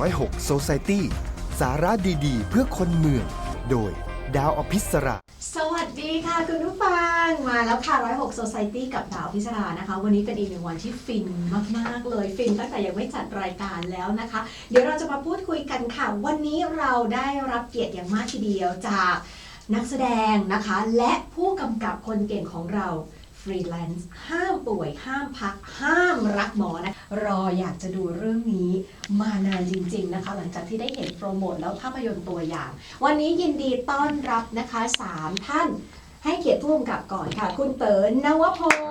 106 Society สาระดีๆ เพื่อคนเมือง โดยดาวอภิสราสวัสดีค่ะคุณผู้ฟังมาแล้วค่ะ106 Society กับดาวพิศรานะคะวันนี้เป็นอีกหนึ่งวันที่ฟินมากๆเลยฟินตั้งแต่ยังไม่จัดรายการแล้วนะคะเดี๋ยวเราจะมาพูดคุยกันค่ะวันนี้เราได้รับเกียรติอย่างมากทีเดียวจากนักแสดงนะคะและผู้กำกับคนเก่งของเราฟรีแลนซ์ห้ามป่วยห้ามพักห้ามรักหมอนะรออยากจะดูเรื่องนี้มานานจริงๆนะคะหลังจากที่ได้เห็นโปรโมทแล้วภาพยนตร์ตัวอย่างวันนี้ยินดีต้อนรับนะคะ3ท่านให้เกียรติผู้กำกับก่อนค่ะคุณเต๋อนวพงศ์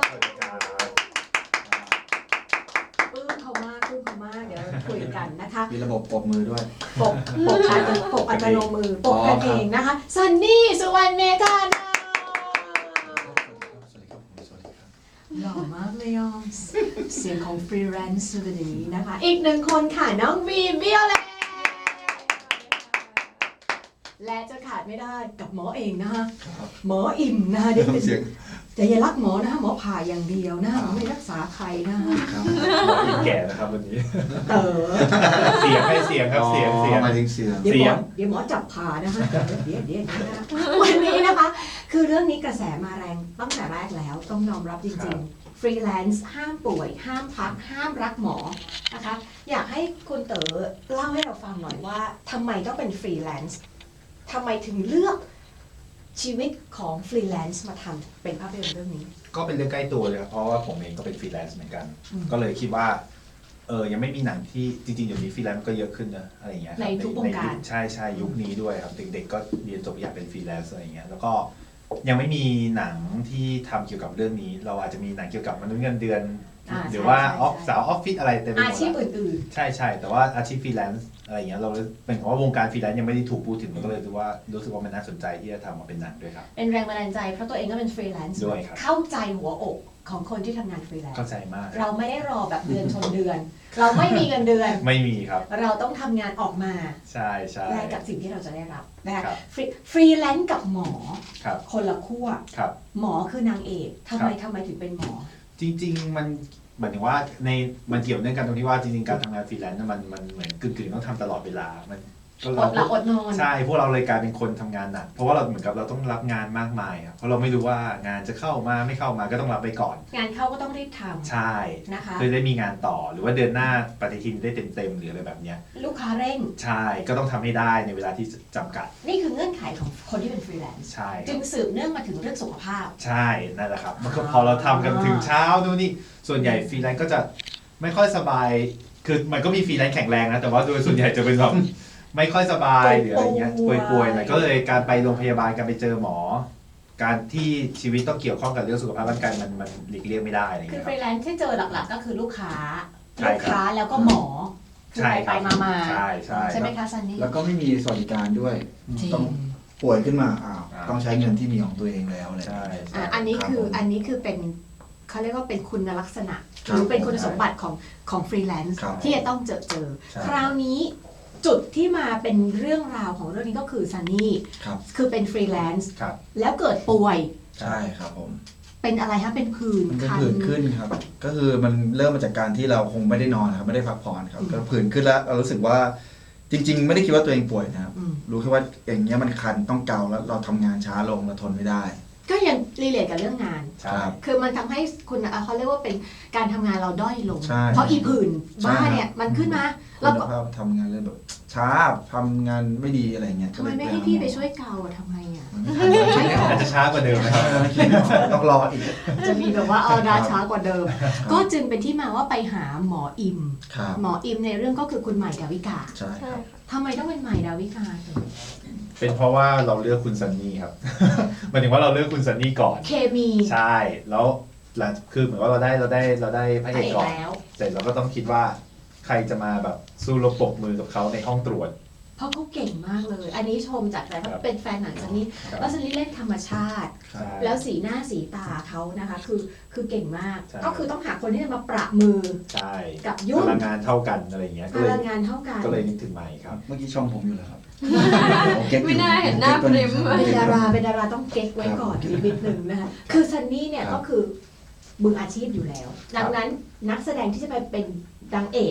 ปลื้มเขามากเดี๋ยวคุยกันนะคะมีระบบปรบมือด้วยปกอัตโนมือปกกันเองนะคะซันนี่สุวรรณเมธานาหล่อมากเลยอ่ะเสียงของฟรีแลนซ์วันนี้นะคะอีกหนึ่งคนค่ะน้องวีวิโอเลตและจะขาดไม่ได้กับหมอเองนะคะหมออิ่มนะคะเดี๋ยวแต่อย่ารักหมอนะคะหมอผ่าอย่างเดียวนะคะไม่รักษาใครนะคะหมออีกแก่นะครับวันนี้เต๋อเสียงให้เสียงครับเสียงมาถึงเสียงเดี๋ยวหมอจับผ่านะคะเดี๋ยวนะวันนี้นะคะคือเรื่องนี้กระแสมาแรงตั้งแต่แรกแล้วต้องยอมรับจริงๆฟรีแลนซ์ห้ามป่วยห้ามพักห้ามรักหมอนะคะอยากให้คุณเต๋อเล่าให้เราฟังหน่อยว่าทำไมต้องเป็นฟรีแลนซ์ทำไมถึงเลือกชีวิตของฟรีแลนซ์มาทำเป็นภาพยนตร์เรื่องนี้ก็เป็นเรื่องใกล้ตัวเลยครับเพราะว่าผมเองก็เป็นฟรีแลนซ์เหมือนกันก็เลยคิดว่ายังไม่มีหนังที่จริงๆเดี๋ยวนี้ฟรีแลนซ์ก็เยอะขึ้นนะอะไรอย่างเงี้ยในทุกวงการใช่ยุคนี้ด้วยครับเด็กๆก็เรียนจบอยากเป็นฟรีแลนซ์อะไรอย่างเงี้ยแล้วก็ยังไม่มีหนังที่ทำเกี่ยวกับเรื่องนี้เราอาจจะมีหนังเกี่ยวกับมนุษย์เงินเดือนหรือว่าสาวออฟฟิศอะไรเต็มไปหมดอาชีพอื่นๆใช่แต่ว่าอาชีพฟรีแลนซ์อะไรอย่างเงี้ยเราเป็นเพราะว่าวงการฟรีแลนซ์ยังไม่ได้ถูกพูดถึงมันก็เลยรู้สึกว่ามันน่าสนใจที่จะทำมาเป็นหนังด้วยครับเป็นแรงบันดาลใจเพราะตัวเองก็เป็นฟรีแลนซ์ด้วยครับเข้าใจหัวอกของคนที่ทำงานฟรีแลนซ์เข้าใจมากเราไม่ได้รอแบบเดือนชนเดือนเราไม่มีเงินเดือนไม่มีครับเราต้องทำงานออกมาใช่แลกกับสิ่งที่เราจะได้รับนะคะฟรีแลนซ์กับหมอคนละขั้วหมอคือนางเอกทำไมถึงเป็นหมอจริงๆมันหมายถึงว่ามันเกี่ยวเนื่องกันตรงที่ว่าจริงๆการทำงานฟรีแลนซ์มันเหมือนกึ่งๆต้องทำตลอดเวลามันก็เราอดนอนใช่พวกเราเลยกลายเป็นคนทำงานหนักเพราะว่าเราเหมือนกับเราต้องรับงานมากมายเพราะเราไม่รู้ว่างานจะเข้ามาไม่เข้ามาก็ต้องรับไปก่อนงานเข้าก็ต้องรีบทำใช่นะคะเพื่อได้มีงานต่อหรือว่าเดือนหน้าปฏิทินได้เต็มหรืออะไรแบบเนี้ยลูกค้าเร่งใช่ก็ต้องทำให้ได้ในเวลาที่จำกัดนี่คือเงื่อนไขของคนที่เป็นฟรีแลนซ์ใช่จึงสืบเนื่องมาถึงเรื่องสุขภาพใช่นั่นแหละครับมันก็พอเราทำกันถึงเช้าดูนี่ส่วนใหญ่ฟรีแลนซ์ก็จะไม่ค่อยสบายคือมันก็มีฟรีแลนซ์แข็งแรงนะแต่ว่าโดยส่วนใหญ่จะเป็นแบบไม่ค่อยสบายหรืออะไรเงี้ยป่วยๆหน่อยก็เลยการไปโรงพยาบาลการไปเจอหมอการที่ชีวิตต้องเกี่ยวข้องกับเรื่องสุขภาพร่างกายมันหลีกเลี่ยงไม่ได้อะไรเงี้ยคือฟรีแลนซ์ที่เจอหลักๆก็คือลูกค้าแล้วก็หมอไปมาใช่ไหมคะซันนี่แล้วก็ไม่มีสวัสดิการด้วยต้องป่วยขึ้นมาต้องใช้เงินที่มีของตัวเองแล้วอะไรอันนี้คือเป็นเขาเรียกว่าเป็นคุณลักษณะหรือเป็นคุณสมบัติของฟรีแลนซ์ที่จะต้องเจอคราวนี้จุดที่มาเป็นเรื่องราวของเรื่องนี้ก็คือซันนี่คือเป็นฟรีแลนซ์แล้วเกิดป่วยใช่ครับผมเป็นอะไรฮะเป็นผื่นขึ้นครับก็คือมันเริ่มมาจากการที่เราคงไม่ได้นอนครับไม่ได้พักผ่อนครับก็ผื่นขึ้นแล้วเรารู้สึกว่าจริงๆไม่ได้คิดว่าตัวเองป่วยนะครับรู้แค่ว่าอย่างเงี้ยมันคันต้องเกาแล้วเราทำงานช้าลงเราทนไม่ได้ก็ยังรีเลทกับเรื่องงานคือมันทำให้คุณเขาเรียกว่าเป็นการทำงานเราด้อยลงเพราะอีผื่นบ้าเนี่ยมันขึ้นมาเราก็ทำงานเลยแบบช้าทำงานไม่ดีอะไรเงี้ยทำไมไม่ให้พี่ไปช่วยเกาทำไงอาจจะช้ากว่าเดิมนะครับต้องรออีกจะมีแบบว่าเอาดาช้ากว่าเดิมก็จึงเป็นที่มาว่าไปหาหมออิมในเรื่องก็คือคุณใหม่ดาวิกาใช่ทำไมต้องเป็นใหม่ดาวิกาเป็นเพราะว่าเราเลือกคุณซันนี่ครับหมายถึงว่าเราเลือกคุณซันนี่ก่อนเคมีใช่แล้วหลังคือเหมือนว่าเราได้พระเอกก่อนเสร็จเราก็ต้องคิดว่าใครจะมาแบบสู้รบปรบมือกับเขาในห้องตรวจเพราะเขาเก่งมากเลยอันนี้ชมจากแต่เขาเป็นแฟนหนังซันนี่แล้วซันนี่เล่นธรรมชาติแล้วสีหน้าสีตาเขานะคะคือเก่งมากก็คือต้องหาคนที่จะมาประมือกับยุ่งพลังงานเท่ากันอะไรเงี้ยพลังงานเท่ากันก็เลยนึกถึงใหม่ครับเมื่อกี้ชมผมอยู่แล้วครับไม่น่าเห็นหน้าพริมเป็นดาราต้องเก๊กไว้ก่อนนิดนึงนะคะคือซันนี่เนี่ยก็คือมืออาชีพอยู่แล้วดังนั้นนักแสดงที่จะไปเป็นนางเอก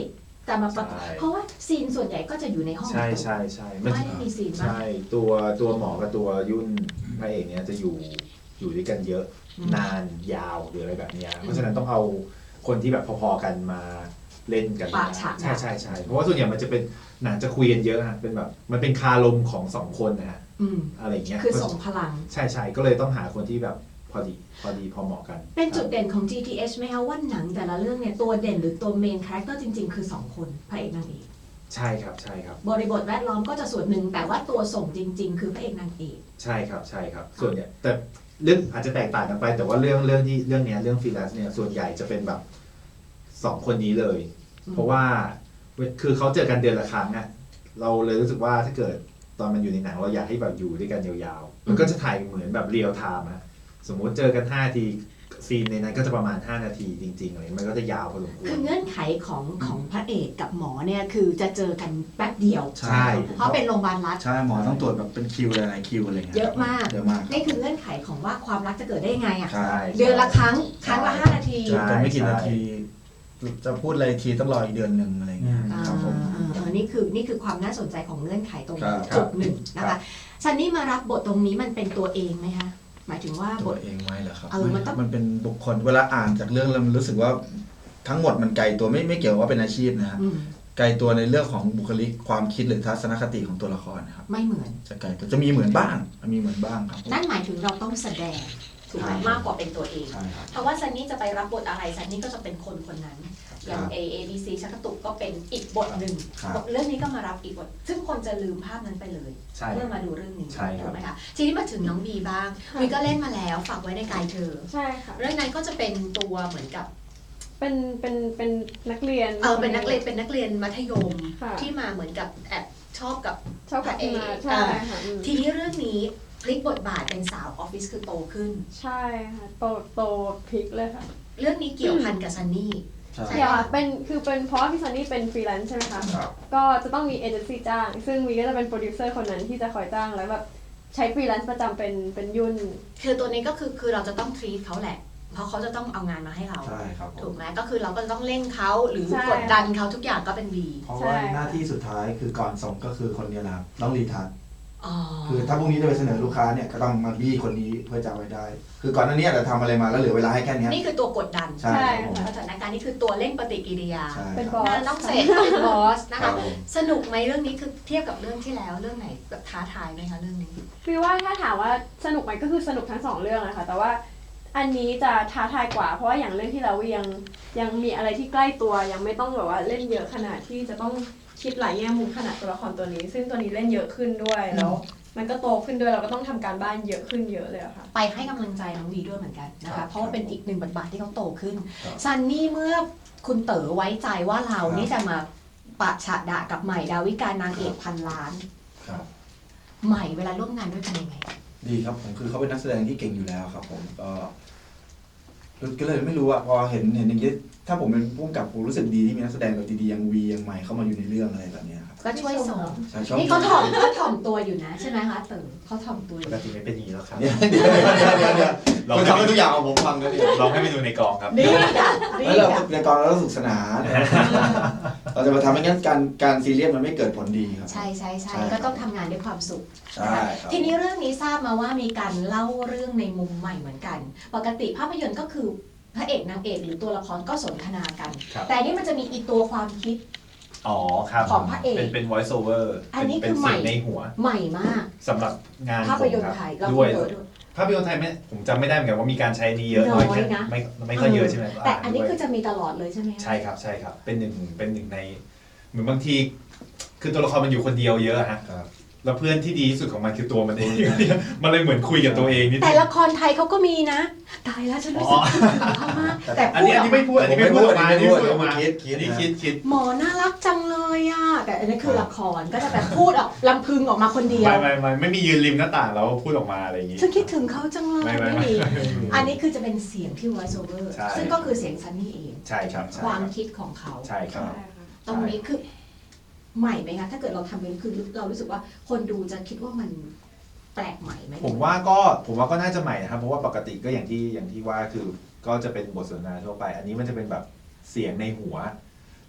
จะมาประกบใช่เพราะว่าซีนส่วนใหญ่ก็จะอยู่ในห้องใช่ประตูใช่ใช่ไม่ได้มีซีนบ้างใช่ตัวหมอกับตัวยุ่นพระเอกเนี้ยจะอยู่ด้วยกันเยอะนานยาวหรืออะไรแบบเนี้ยเพราะฉะนั้นต้องเอาคนที่แบบพอๆกันมาเล่นกันปากฉากใช่ใช่ใช่เพราะว่าส่วนใหญ่มันจะเป็นหนังจะคุยกันเยอะฮะเป็นแบบมันเป็นคารมของสองคนนะฮะอืมอะไรอย่างเงี้ยคือส่งพลังใช่ใช่ก็เลยต้องหาคนที่แบบพอดีพอเหมาะกันเป็นจุดเด่นของ GTH ไหมคะว่าหนังแต่ละเรื่องเนี่ยตัวเด่นหรือตัวเมนคาแรคเตอร์จริง ๆ คือ 2 คนพระเอกนางเอกใช่ครับใช่ครับบริบทแวดล้อมก็จะส่วนหนึ่งแต่ว่าตัวส่งจริง ๆ คือพระเอกนางเอกใช่ครับใช่ครับส่วนใหญ่แต่เรื่องอาจจะแตกต่างกันไป แต่ว่าเรื่องเนี้ยเรื่องฟรีแลนซ์เนี่ยส่วนใหญ่จะเป็นแบบสองคนนี้เลย เพราะว่าคือเขาเจอกันเดือนละครั้งอะเราเลยรู้สึกว่าถ้าเกิดตอนมันอยู่ในหนังเราอยากให้แบบอยู่ด้วยกันยาวๆมันก็จะถ่ายเหมือนแบบเรียลไทม์อะสมมุติเจอกัน5 นาทีซีนในนั้นก็จะประมาณ5 นาทีจริงๆอะไรมันก็จะยาวพอสมควคืรอเงื่อนไขของพระเอกกับหมอเนี่ยคือจะเจอกันแป๊บเดียวใช่เพราะเป็นโรงพยาบาลรัฐใช่หมอต้องตรวจแบบเป็นคิวหลายๆคิวอะไรเงี้ยเยอะมากเยอะมากนี่คือเงื่อนไขของว่าความรักจะเกิดได้ยังไงอ่ะใช่เดือนละครั้งละ5 นาทีเจอกันไม่กี่นาที จะพูดอะไรทีต้องรออีกเดือนหนึ่งอะไรเงี้ยครับผมนี่คือความน่าสนใจของเงื่อนไขตรงครับจุดหนึ่งนะครัคะบซันนี่มารับบทตรงนี้มันเป็นตัวเองไหมคะหมายถึงว่าบตัวทเองไว้เหรอครับมันต้องมันเป็นบุคคลเวลาอ่านจากเรื่องแล้วมันรู้สึกว่าทั้งหมดมันไกลตัวไม่เกี่ยวว่าเป็นอาชีพนะฮะอืมไกลตัวในเรื่องของบุคลิกความคิดหรือทัศนคติของตัวละครนะครับไม่เหมือนจะไกลตัวจะมีเหมือนบ้างมีเหมือนบ้างครับผมนั่นหมายถึงเราต้องแสดงถูกไหมใช่มากกว่าเป็นตัวเองใช่ครับเพราะว่าซันนี่จะไปรับบทอะไรซันนี่ก็จะเป็นคนคนนั้น อย่างครับ A B C ชักกระตุกก็เป็นอีกบทหนึ่งครับบทเรื่องนี้ก็มารับอีกบท ซึ่งคนจะลืมภาพนั้นไปเลยใช่เมื่อมาดูเรื่องนี้ใช่ครับถูกไหมคะทีนี้มาถึงน้องบีบ้างบีก็เล่นมาแล้วฝากไว้ในกายเธอใช่ค่ะเรื่องนั้นก็จะเป็นตัวเหมือนกับเป็นนักเรียนเป็นนักเรียนมัธยมค่ะที่มาเหมือนกับแอบชอบกับชอบกับพระเอกมาใช่ค่ะอืมทีนี้เรื่องนี้พลิกบทบาทเป็นสาวออฟฟิศคือโตขึ้นใช่ค่ะโตพลิกเลยค่ะเรื่องนี้เกี่ยวพันกับซันนี่ใช่เดี๋ยวค่ะเป็นเพราะว่าพี่ซันนี่เป็นฟรีแลนซ์ใช่ไหมคะครับก็จะต้องมีเอเจนซี่จ้าง ซึ่งวีก็จะเป็นโปรดิวเซอร์คนนั้นที่จะคอยจ้างแล้วแบบใช้ฟรีแลนซ์ประจำเป็นยุ่นคือตัวนี้ก็คือเราจะต้องทรีตเขาแหละ เพราะเขาจะต้องเอางานมาให้เราใช่ครับผถูมกไหมก็คือเราก็จะต้องเร่งเขาหรือใช่กดดันเขาทุกอย่างก็เป็นบีเพราะว่าหน้าที่สุดท้ายคือก่อนส่งก็คือคนเนี้นะครับต้องรีทัชอ๋อคือถ้าพรุ่งนี้จะไปเสนอลูกค้าเนี่ยก็ต้องมาบี้คนนี้เพื่อจะเอาไว้ได้ คือก่อนหน้านี้เราทำอะไรมาแล้วเหลือเวลาให้แค่เนี้ยนี่คือตัวกดดันใช่ครับผมสถานการณ์นี่คือตัวเร่งปฏิกิริยาใช่เป็นครับบอสงานต้องเสร็จเป็นบอสนะครัคะบผมสนุกไหมเรื่องนี้คือเทียบกับเรื่องที่แล้วเรื่องไหนแบบท้าทายไหมคะเรื่องนี้คือว่าถ้าถามว่าสนุกไหมก็คือสนุกทั้งสองเรื่องนะคะแต่ว่าอันนี้จะท้าทายกว่า เพราะว่าอย่างเรื่องที่เรายังมีอะไรที่ใกล้ตัวยังไม่ต้องแบบว่าเล่นเยอะขนาดที่จะต้องคิดหลายแง่มุมขนาดตัวละครตัวนี้ ซึ่งตัวนี้เล่นเยอะขึ้นด้วยแล้ว มันก็โตขึ้นด้วยเราก็ต้องทำการบ้านเยอะขึ้นเยอะเลยอะค่ะไปให้กำลังใจน้องวีด้วยเหมือนกันนะครัคะบเพราะว่าเป็นอีกหนึ่งบทบาทที่เขาโตขึ้นครับซันนี่เมื่อคุณเต๋อไว้ใจว่าเราครับนี่จะมาปะฉะดะกับใหม่ดาวิกานางเอกพันล้านครับใหม่เวลาร่วมงานด้วยเป็นยังไงดีครับผมคือเขาเป็นนักแสดงที่เก่งอยู่แล้วครับผมก็เลยไม่รู้อะพอเห็นอย่างนี้ถ้าผมเป็นผู้กำกับผมรู้สึกดีที่มีนักแสดงแบบดีๆอย่างวีอย่างใหม่เข้ามาอยู่ในเรื่องอะไรแบบเนี้ยครับก็ช่วยส่งใช่ชอบนี่เขาถ่อมตัวอยู่นะใช่ไหมคะเต๋อเขาถ่อมตัวอปยู่กติไม่เป็นอย่างนี้แล้วครับเดี๋ยวคุณทำให้ทุกอย่างของผมฟังก็ดีลองให้ไปดูในกองครับดีอ่ะดีแล้วเราอ่ะในกองเราต้องสนุกสนานเราจะมาทำให้งั้นการซีเรียสมันไม่เกิดผลดีครับใช่ใช่ใช่ใช่ก็ต้องทำงานด้วยความสุขใช่ครับทีนี้เรื่องนี้ทราบมาว่ามีการเล่าเรื่องในมุมใหม่เหมือนกัน ปกติภาพยนตร์ก็คือพระเอกนางเอกหรือตัวละครก็สนทนากันครับแต่อันนี่มันจะมีอีตัวความคิดอ๋อครับของพระเอกเป็น voice over อันนี้เป็นคือใหม่เสียงในหัวใหม่มากสำหรับงานภาพยนตผมร์คไทรับยเราด้วยเยอะด้วยภาพยนตร์ไทยไม่ผมจำไม่ได้เหมือนกันว่ามีการใช้นี้เยอะน้น้ออย ยแค่นะไม่ค่อยเยอะใช่ไหมแต่อันนี้ด้วยคือจะมีตลอดเลยใช่ไหมคะใช่ครับใช่ครับเป็นหนึ่งในเหมือนบางทีคือตัวละครมันอยู่คนเดียวเยอะฮะครับแล้วเพื่อนที่ดีที่สุดของมันคือตัวมันเอง มันเลยเหมือนคุยกับตัวเองนิดนึแต่งละครไทยเขาก็มีนะ ตายแล้วฉันรู้สึกถึงเขามากแต่อันพูนี้ดอันออกนี้ไม่พูดอันนี้ไม่พูดออกมาอันนี้ไม่พูดออกมาคิดอันนี้คิดหมอน่ารักจังเลยอ่ะแต่อันนี้คือละครก็จะแบบพูดออกลำพึงออกมาคนเดียวไม่มียืนริมหน้าต่างแล้วพูดออกมาอะไรอย่างงี้ฉันคิดถึงเขาจังเลยไม่ไม่ไม่มีไม่อันนี้คือจะเป็นเสียงที่ voice over ใช่ซึ่งก็คือเสียงซันนี่เองใช่ครับใช่ความรับคิดของเขาใช่ครับใช่ค่ะตรงนี้คือใหม่ไหมคะถ้าเกิดเราทำเป็นคือเรารู้สึกว่าคนดูจะคิดว่ามันแปลกใหม่ไหมผมว่าก็น่าจะใหม่นะครับเพราะว่าปกติก็อย่างที่ว่าคือก็จะเป็นบทสนทนาทั่วไป อันนี้มันจะเป็นแบบเสียงในหัว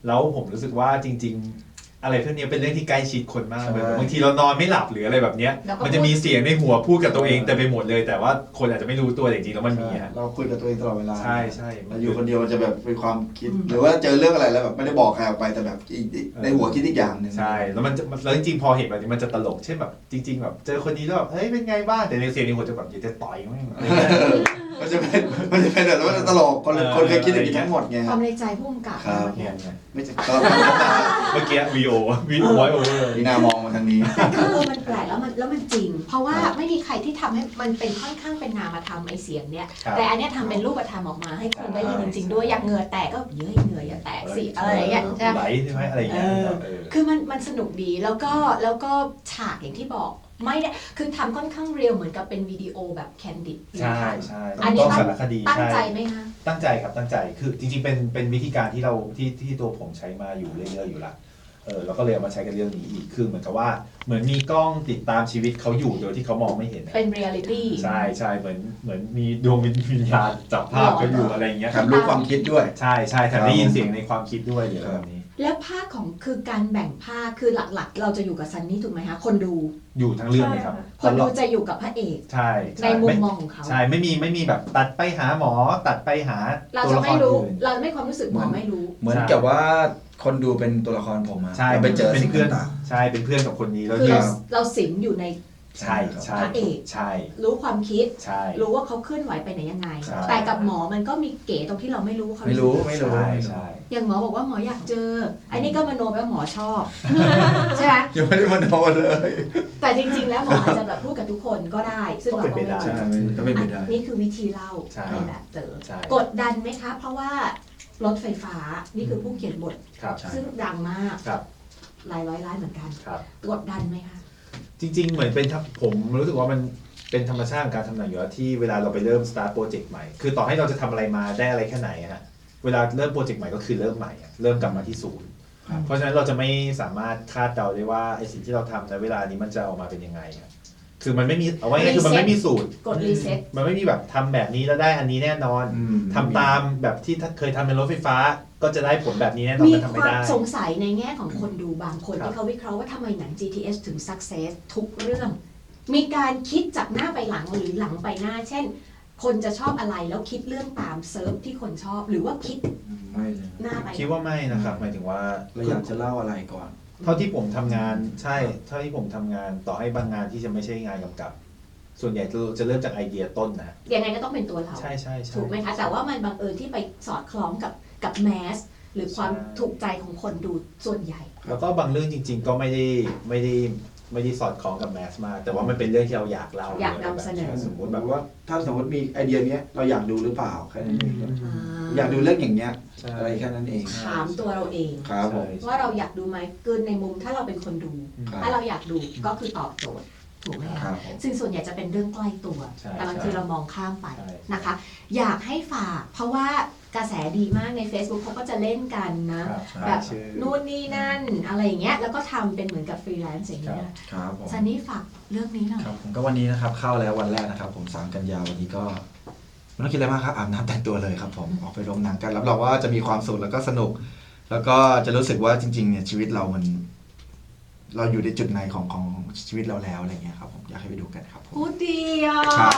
แล้วผมรู้สึกว่าจริง ๆ อะไรพวกนี้เป็นเรื่องที่ใกล้ชิดคนมากใช่เลยบางทีเรานอนไม่หลับหรืออะไรแบบเนี้ยแล้วก็มันจะมีเสียงในหัวพูดกับตัวเองแต่ไปหมดเลย แต่ว่าคนอาจจะไม่รู้ตัวจริงๆแล้วมันมีฮะเราคุยกับตัวเองตลอดเวลาใช่ใช่เราอยู่คนเดียวมันจะแบบเป็นความคิด หรือว่าเจอเรื่องอะไรแล้วแบบไม่ได้บอกใครออกไปแต่แบบในหัวคิดอีกอย่างหนึ่งใช่แล้วแล้วจริงๆพอเห็นแบบนี้มันจะตลกเช่นแบบจริง ๆ แบบเจอคนนี้แล้วแบบเฮ้ยเป็นไงบ้างแต่ในเสียงในหัวจะแบบอยากจะต่อยมั้งอะไรเงี้ยมันจะเป็นแบบแล้วมันจะตลกคนเคยคิดอย่างนี้ทั้งหมดไงความในใจผู้กำกับครับเนี่ยไม่ใช่ก็เมื่อกี้วีโอไวโอเวอร์นี่นามองมาทางนี้แต่คือมันแปลกแล้วมันจริง เพราะว่าไม่มีใครที่ทำให้มันเป็นค่อนข้างเป็นนามธรรมไอเสียงเนี่ย แต่อันเนี้ยทำเป็นรูปธรรมออกมาให้คนได้ยินจริงๆด้วยอยากเหงื่อแตกก็เย้ยเหงื่ออย่าแตกสิอะไรอย่างเงี้ยใช่ไหมไหลใช่ไหมอะไรอย่างเงี้ยคือมันสนุกดีแล้วก็ฉากอย่างที่บอกไม่ได้คือทำค่อนข้างเรียวเหมือนกับเป็นวิดีโอแบบแคนดิดใช่ใช่อันนี้ต้องสารคดีตั้งใจช่ไหมคะตั้งใจครับตั้งใจคือจริงๆเป็นวิธีการที่เราที่ตัวผมใช้มาอยู่เรื่อยๆอยู่ละเราก็เลยเอามาใช้กันเรื่องนี้อีกคือเหมือนกับว่าเหมือนมีกล้องติดตามชีวิตเขาอยู่โดยที่เขามองไม่เห็นอะเป็นเรียลิตี้ใช่ใช่เหมือนมีดวงวิญญาณจับภาพเขาอยู่อะไรอย่างเงี้ยแถมรู้ความคิดด้วยใช่ใช่แถมได้ยินเสียงในความคิดด้วยหรืออะไรแบบนี้แล้วภาคของคือการแบ่งภาคคือหลักๆ เราจะอยู่กับซันนี่ถูกไหมคะคนดูอยู่ทั้งเรื่องเลยครับคนดูจะอยู่กับพระเอกใช่ในมุมมองของเขาใช่ไม่มีแบบตัดไปหาหมอตัดไปหาเราตัวจะละคไม่รรู้อื่นเราไม่ความรู้สึกหมอไม่รู้เหมือนกับว่าคนดูเป็นตัวละครผมอะใช่เราไปเจอเป็นสิ่งเพื่อนต่างใช่เป็นเพื่อนกับคนนี้แล้วคือที่เราสิมอยู่ในใช่ใช่พระเอกใช่รู้ความคิดใช่รู้ว่าเขาเคลื่อนไหวไปไหนยังไงใช่แต่กับหมอมันก็มีเก๋ตรงที่เราไม่รู้ว่าเขาไม่รู้สึกไม่รู้ใช่ใช่อย่างหมอบอกว่าหมออยากเจอ อันนี้ก็มโนไปว่าหมอชอบ ใช่ไหมยังไม่ได้มาโดนเลยแต่จริงๆ แล้วหมออาจจะแบบพูดกับทุกคนก็ได้ ซึ่งเราก็ไม่รู้ใช่ก็เป็นไปได้นี่คือวิธีเล่าใช่ในแบบเต๋อใช่กดดันไหมคะ เพราะว่ารถไฟฟ้านี่คือผู้เขียนบทครับใช่ซึ่งดังมากครับหลายร้อยล้านเหมือนกันครับกดดันไหมคะจริงๆ เหมือนเป็นผมรู้สึกว่ามันเป็นธรรมชาติของการทำหนังอยู่แล้วที่เวลาเราไปเริ่ม start โปรเจกต์ใหม่ คือต่อให้เราจะทำอะไรมาได้อะไรแค่ไหนอะฮะเวลาเริ่มโปรเจกต์ใหม่ก็คือเริ่มใหม่อะเริ่มกลับมาที่ศูนย์ครับเพราะฉะนั้นเราจะไม่สามารถคาดเดาได้ว่าไอสิ่งที่เราทำในเวลานี้มันจะออกมาเป็นยังไงอะคือมันไม่มีเอาไว้ง่ายๆคือมันไม่มีสูตรกดรีเซ็ตมันไม่มีแบบทำแบบนี้แล้วได้อันนี้แน่นอน ทำตามแบบที่เคยทำในรถไฟฟ้าก็จะได้ผลแบบนี้แน่นอนมีมันทำคไม่วามได้สงสัยในแง่ของคนดูบางคนครับที่เขาวิเคราะห์ว่าทำไมหนัง GTS ถึง success ทุกเรื่อง มีการคิดจากหน้าไปหลังหรือหลังไปหน้า เช่น คนจะชอบอะไรแล้วคิดเรื่องตามเซิร์ฟที่คนชอบ หรือว่าคิดไม่เลยหน้าไปคิดว่าไม่นะครับหมายถึงว่าเราอยากจะเล่าอะไรก่อนเท่าที่ผมทำงานใช่เท่าที่ผมทำงานต่อให้บางงานที่จะไม่ใช่งานกำกับ ส่วนใหญ่จะเริ่มจากไอเดียต้นนะยังไงก็ต้องเป็นตัวเราใช่ใช่ใช่ถูกไหมคะ แต่ว่ามันบังเอิญที่ไปสอดคล้องกับแมสหรือความใช่ถูกใจของคนดูส่วนใหญ่แล้วก็บางเรื่องจริง ๆ ก็ไม่ได้สอดคล้องกับแมสมากแต่ว่ามันเป็นเรื่องที่เราอยากเล่าอยากนำเสนอสมมติแบแบบบว่าถ้าสมมติมีไอเดียเนี้ยเราอยากดูหรือเปล่าแค่นั้นเอง อยากดูาเรื่องอย่างเงี้ยใช่อะไรแค่นั้นเองถามตัวเราเองครับผมว่าเราอยากดูไหมคือในมุมถ้าเราเป็นคนดูครับถ้าเราอยากดูก็คือตอบโจทย์ถูกไหมคคะรับผมซึ่งส่วนใหญ่จะเป็นเรื่องใกล้ตัวใช่แต่บางทีเรามองข้ามไปใช่นะคะ อยากให้ฝาก เพราะว่ากระแสดีมากใน Facebook เขาก็จะเล่นกันนะครับแบบชื่อนู่นนี่นั่นอะไรอย่างเงี้ยแล้วก็ทำเป็นเหมือนกับฟรีแลนซ์อย่างเงี้ยครับผมซันนี่ฝากเรื่องนี้หน่อยครับผมก็วันนี้นะครับเข้าแล้ววันแรกนะครับ ผม3 กันยาวันนี้ก็ไม่ต้องคิดอะไรมากครับอาบน้ำแต่งตัวเลยครับผมออกไปโรงหนังกันรับรองว่าจะมีความสุขแล้วก็สนุก แล้วก็จะรู้สึกว่าจริงๆเนี่ยชีวิตเรามัน เราอยู่ในจุดไหนของชีวิตเราแล้วอะไรเงี้ยครับผมอยากให้ไปดูกันครับผมพูดดีอ่ะครับ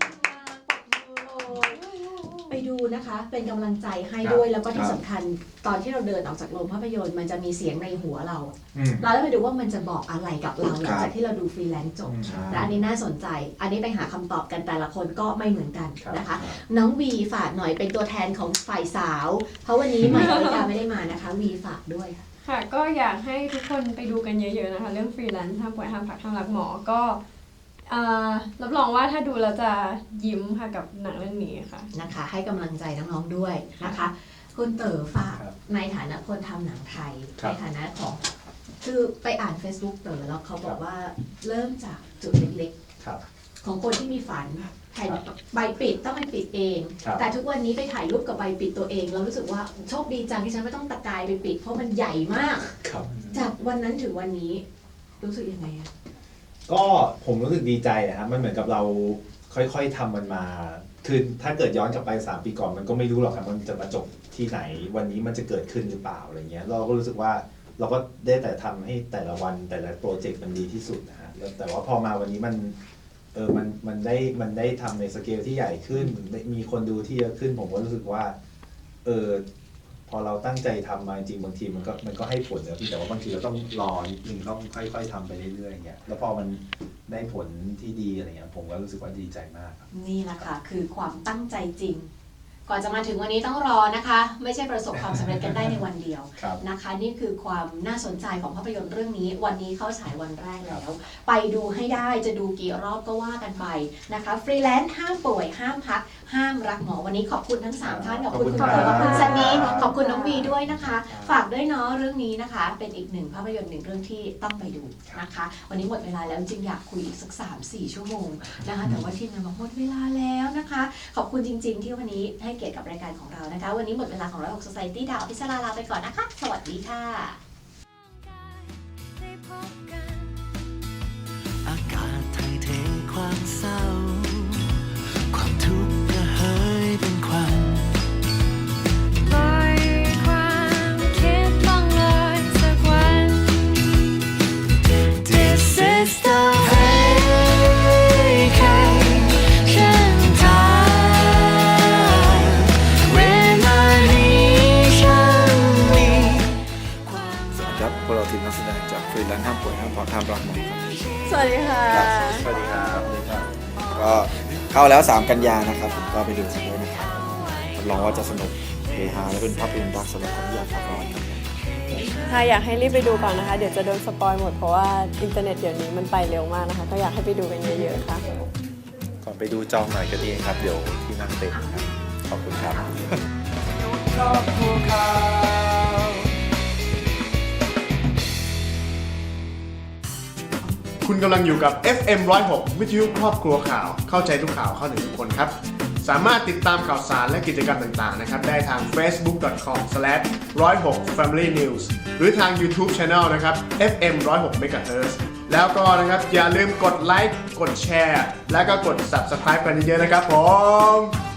ไปดูนะคะ เป็นกำลังใจให้ครับด้วย แล้วก็ที่ครับสำคัญตอนที่เราเดินออกจากโรงภาพยนตร์มันจะมีเสียงในหัวเราอืมเราได้ไปดูว่ามันจะบอกอะไรกับเราหลังจากที่เราดูฟรีแลนซ์จบใช่และอันนี้น่าสนใจ อันนี้ไปหาคำตอบกันแต่ละคนก็ไม่เหมือนกันครับนะคะ น้องวีฝากหน่อยเป็นตัวแทนของฝ่ายสาว เพราะวันนี้ใหม่อริกาไม่ได้มานะคะ วีฝากด้วยค่ะค่ะก็อยากให้ทุกคนไปดูกันเยอะๆนะคะ เรื่องฟรีแลนซ์ห้ามป่วยห้ามพักห้ามรักหมอก็รับรองว่าถ้าดูแล้วจะยิ้มค่ะกับหนังเรื่องนี้ค่ะนะคะ ให้กำลังใจน้องๆด้วยนะคะ คุณเต๋อฝากครับในฐานะคนทำหนังไทยครับในฐานะของคือไปอ่าน Facebook เต๋อแล้วเขาบอกว่าเริ่มจากจุดเล็กครับๆ ของคนที่มีฝันแผ่นครับใบปิดต้องไปปิดเองครับแต่ทุกวันนี้ไปถ่ายรูปกับใบปิดตัวเองเรารู้สึกว่าโชคดีจังที่ฉันไม่ต้องตะกายไปปิด เพราะมันใหญ่มากครับจากวันนั้นถึงวันนี้รู้สึกยังไงอะก็ผมรู้สึกดีใจนะครับมันเหมือนกับเราค่อยๆทำมันมาคือถ้าเกิดย้อนกลับไป3 ปีก่อนมันก็ไม่รู้หรอกครับมันจะมาจบที่ไหนวันนี้มันจะเกิดขึ้นหรือเปล่าอะไรเงี้ยเราก็รู้สึกว่าเราก็ได้แต่ทำให้แต่ละวันแต่ละโปรเจกต์มันดีที่สุดนะฮะแต่ว่าพอมาวันนี้มันได้ทำในสเกลที่ใหญ่ขึ้นมีคนดูที่เยอะขึ้นผมก็รู้สึกว่าพอเราตั้งใจทำมาจริงบางทีมันก็ให้ผลนะพี่แต่ว่าบางทีเราต้องรอนิดนึงต้องค่อยๆทำไปเรื่อยๆอย่างเงี้ยแล้วพอมันได้ผลที่ดีอะไรเงี้ยผมก็รู้สึกว่าดีใจมากครับนี่แหละค่ะคือความตั้งใจจริง ก่อนจะมาถึงวันนี้ต้องรอนะคะ ไม่ใช่ประสบความสำเร็จกันได้ในวันเดียวครับนะคะ นี่คือความน่าสนใจของภาพยนตร์เรื่องนี้ วันนี้เข้าฉายวันแรกแล้ว ไปดูให้ได้จะดูกี่รอบก็ว่ากันไปนะคะฟรีแลนซ์ห้ามป่วยห้ามพักห้ามรักหมอวันนี้ขอบคุณทั้ง3ท่านขอบคุณคุณหมอขอบคุณซันนี่ขอบคุณน้องวีด้วยนะคะ ฝากด้วยเนาะเรื่องนี้นะคะ เป็นอีกหนึ่งภาพยนตร์หนึ่งเรื่องที่ต้องไปดูนะคะ วันนี้หมดเวลาแล้วจริงอยากคุยอีกสัก 3-4 ชั่วโมงนะคะแต่ว่าทีมงานบอกหมดเวลาแล้วนะคะ ขอบคุณจริง ๆ ที่วันนี้ให้เกียรติกับรายการของเรานะคะ วันนี้หมดเวลาของ106 Society ดาวอภิสราลาไปก่อนนะคะ สวัสดีค่ะอากาศไทยเทความเศร้า ความทุกข์ระเหยเป็นควันปล่อยความคิดล่องลอยสักวัน This is the vacation time เวลานี้ฉันมีความสวัสดีครับพวกเราทีมนักแสดงจากฟรีแลนซ์ห้ามป่วยห้ามพอห้ามรักหมอครับสวัสดีค่ะสวัสดีครับก็เข้าแล้ว 3 กันยานะครับผมก็ไปดูกันด้วยนะครับรับรองว่าจะสนุกเฮฮาและเป็นภาพยนตร์รักสำหรับคนที่อยากพักผ่อนครับค่ะอยากให้รีบไปดูก่อนนะคะ เดี๋ยวจะโดนสปอยหมดเพราะว่าอินเทอร์เน็ตเดี๋ยวนี้มันไปเร็วมากนะคะ ก็อยากให้ไปดูกันเยอะๆค่ะก่อนไปดูจองหน่อยก็ดีครับ เดี๋ยวที่นั่งเต็มครับ ขอบคุณครับคุณกำลังอยู่กับ FM 106 วิทยุครอบครัวข่าว เข้าใจทุกข่าวเข้าถึงทุกคนครับ สามารถติดตามข่าวสารและกิจกรรมต่างๆนะครับได้ทาง facebook.com/106familynews หรือทาง YouTube Channel นะครับ FM 106 MHz แล้วก็นะครับอย่าลืมกดไลค์ กดแชร์ และก็กด Subscribe กันเยอะๆนะครับผม